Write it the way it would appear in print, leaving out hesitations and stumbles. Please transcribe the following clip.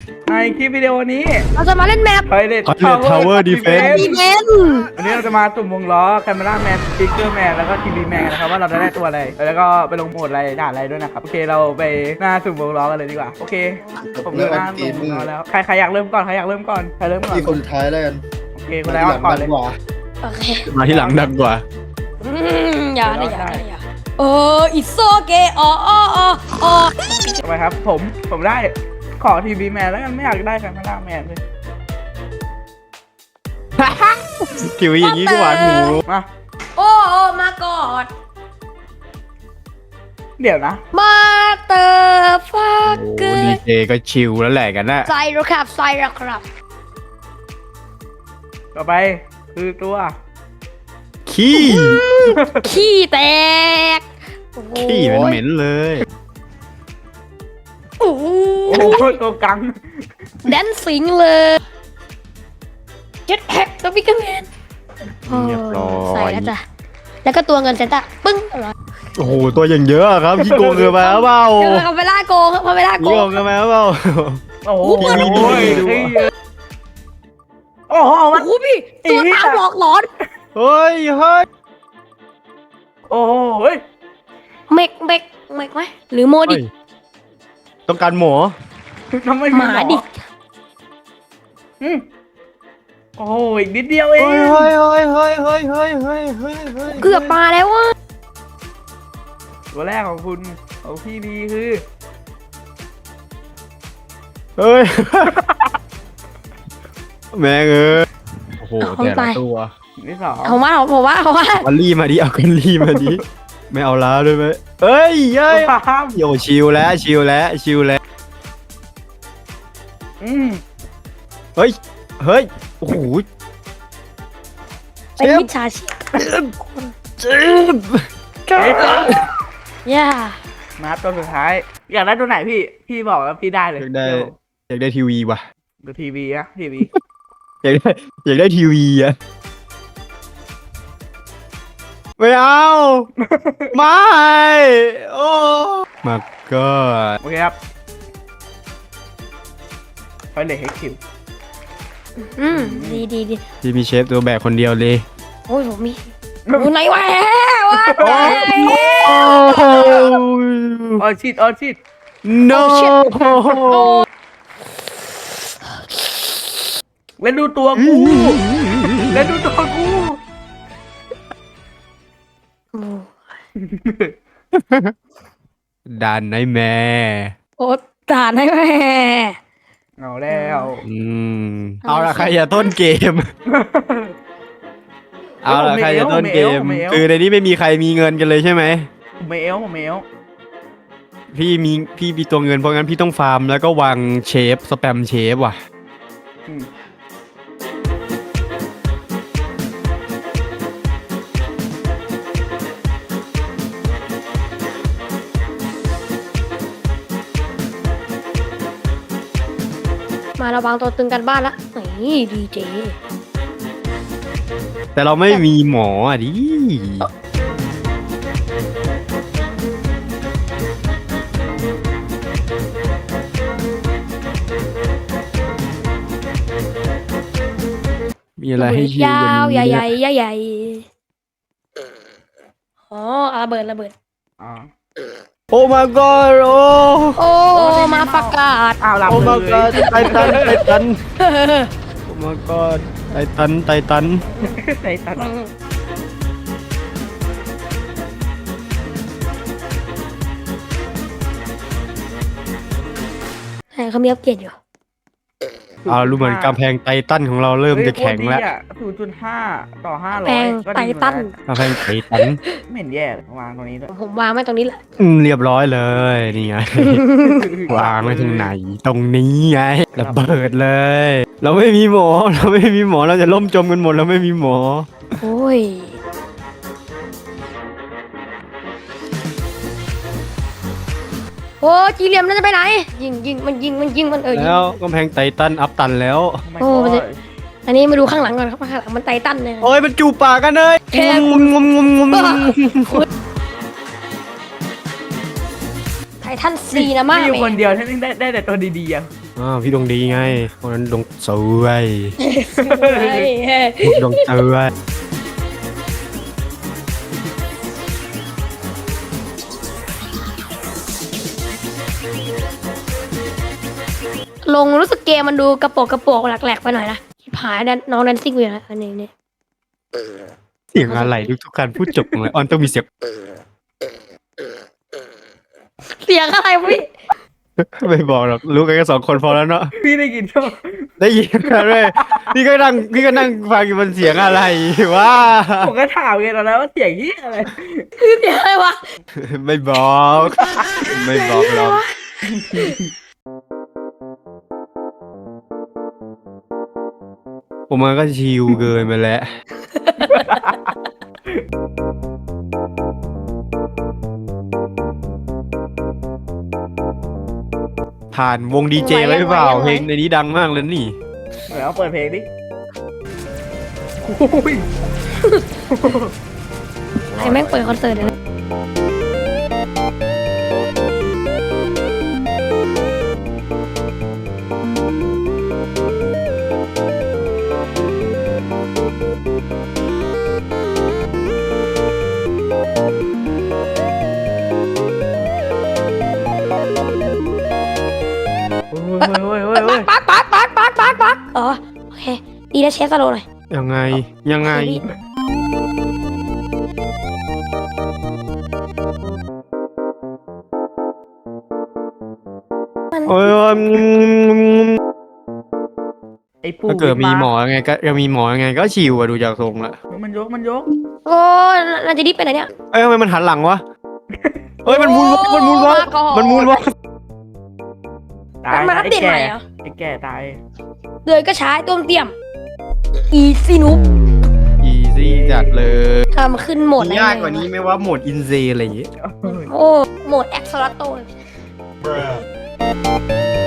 ในคลิปวิดีโอนี้เราจะมาเล่นแมป Pilot Tower Defense ดีเมนวันนี้เราจะมาสุ่มวงล้อ Camera Man Speaker Man แล้วก็ TV Man นะครับว่าเราจะได้ตัวอะไรแล้วก็ไปลงโหมดอะไรด่านอะไรด้วยนะครับโอเคเราไปหน้าสุ่มวงล้อกันเลยดีกว่าโอเคผมเริ่มหน้าสุ่มวงล้อแล้วใครอยากเริ่มก่อนใครอยากเริ่มก่อนใครเริ่มก่อนที่คนสุดท้ายแล้วกันโอเคคนแรกก่อนเลยโอเคมาที่หลังดังกว่าอย่านะอย่าอิโซเกะอ๋อทำไมครับผมได้ขอ TV Man แล้วกันไม่อยากได้ Camera Man เลยทีวีอย่างนี้ก็หวานหมูมาโอ้มาก่อนเดี๋ยวนะมาเตอร์ฟักโอ้เกอดีร์เจก็ชิลแล้วแหละกันนะใส่แล้วครับใส่แล้วครับต่อไปคือตัวขี้ขี้แตกขี้เหม็นๆเลยโอ้โหโอ้โหตัวกังแดนซิงเลยเจ็ดแฮกสปิกเกอร์แมนเรียบร้อใส่ยแล้วจ้ะแล้วก็ตัวเงินเซนต้าปึ้งอะไรโอ้โหตัวอย่างเยอะอะครับขี้โกงเกินไปหรือเปล่าเดี๋ยวเขาไปล่าโกงเขาไปล่าโกขี้โกงงเกินไปหรือเปล่าโอ้โหเปิดดูดิโอ้โหโอ้มันโหพี่ตัวตามหลอกหลอนเฮ้ยโอ้โหเฮ้ยเมกไหมหรือโมดิเฮ้ยต้องการหมอทำไมหมาดิอืมโอ้โหอีกนิดเดียวเองเฮ้ยเกือบมาแล้วว่ะตัวแรกของคุณของพี่ดีคือเฮ้ยแม่งเอ้ยโอ้โหแต่ละตัวที่สองผมว่าเอาลี่มาดิเอากันลี่มาดิไม่เอาล้าด้วยไหมเอ้ยเย้ยข้ามโยชิลแล้วชิลแล้วอืมเฮ้ยโอ้โหเป็นมิจฉาชีพเจ็บย่ามาตัวสุดท้าย อยากได้ตัวไหนพี่บอกแล้วพี่ได้เลยอยากได้ทีวีว่ะดูทีวีนะทีวีอยากได้ทีวีอะไม่เอาไม่โอ้มาก็โอเคครับไปเลยให้คิวดีที่มีเชฟตัวแบกคนเดียวเลยโอ้ยผมมีอยู่ไหนวะออชิด no เล่นดูตัวกูเล่นดูตัวกูดันไนแม่โอ้ตาได้แม่เอาแล้วเอาละใครอย่าต้นเกม เอาละใครจะต้นเกม คือในนี้ไม่มีใครมีเงินกันเลยใช่ไหมผมไม่เอลพี่มีตัวเงินเพราะงั้นพี่ต้องฟาร์มแล้วก็วางเชฟสแปมเชฟว่ะอืมมาเราวางตัวตึงกันบ้านละนี่ดีเจแต่เราไม่มีหมออ่ะดิมีอะไรให้ชิวยาวใหญ่กันใหญ่อ๋อระเบิดอ๋อโอ้ my god โอ้โอ้มาประกาศอ้าวหลับโอ้เล my ย god ไททันโอ้ my god ไททันใส่ตัดเขามีอัปเกรดอยู่เอารู้เหมือนกำแพงไททันของเราเริ่มจะแข็งแล้ว 0.5 ต่อ 500 แพงก็ไทดีทันกำแพงไททันไม่เห็นแย่เลยวางตรงนี้ด้วยผมวางไว้ตรงนี้แหละเรียบร้อยเลยนี่ไง วางไว้ตรงไหน ตรงนี้ไงระเบิดเลย เราไม่มีหมอ เราจะล่มจมกันหมดเราไม่มีหมอโอ้ยโอ้จีเหลี่ยมนั่นจะไปไหนยิงมันยิงมันยิงแล้วกำแพงไททันอัพตันแล้วโอ้มันจะ อันนี้มาดูข้างหลังก่อนครับข้างหลังมันไททันเลยโอ้ยมันจูบปากกันเลยแค่งมไททันซีนะมามีอยู่แม่คนเดียวที่ได้แต่ตัวดีๆอ่ะพี่ดวงดีไงคนนั้นดวงสวยเฮ้ยเฮ้ยดวงสวยลงรู้สึกเกมมันดูกระโปกแหลกๆไปหน่อยนะผายนั่นน้องแดนซิ่งอยู่นะอันนี้เนี่ยเสียงอะไรทุกการพูดจบของเลยออนต้องมีเสียงเสียงอะไรพี่ไม่บอกหรอกรู้กันแค่2 คนพอแล้วเนาะพี่ได้กินช่วงได้ยินกันเลยพี่ก็นั่งฟังอยู่บนเสียงอะไรว่าผมก็ถามไงตอนนั้นว่าเสียงที่อะไรเสียงอะไรวะไม่บอก ไม่บอกหรอกผมมันก็ชิลเกินไปแล้วผ่านวงดีเจไว้หรือเปล่าเพลงในนี้ดังมากเลยนี่แล้วเปิดเพลงดิโอ้ยไอ้แม่งเปิดคอนเสิร์ตเลยนะโอ้ยปักอ๋อโอเคดีนะเชฟสโลว์หน่อยยังไงยังไง โอ้ยไอ้ปู่ถ้าเกิดมีหมอยังไงก็ยังมีหมอยังไงก็ชิวอะดูจากทรงละมันยกโอ้น่าจะรีบไปไหนเนี่ยเอ้ยทำไมมันหันหลังวะเฮ้ยมันมูนวอล์กมันมูนวอล์กมันมูนวอล์กตายมันอัปเดตใหม่เหรอไอ้แก่ตายเดือยก็ใช้ต้มเตี่ยมอีซีนุกอีซี่จัดเลยทำขึ้นโหมดอะไรยากกว่านี้ไหมว่าโหมดอินเซอะไรอย่างงี้โอ้โหมดแอ็กซ์ลาโต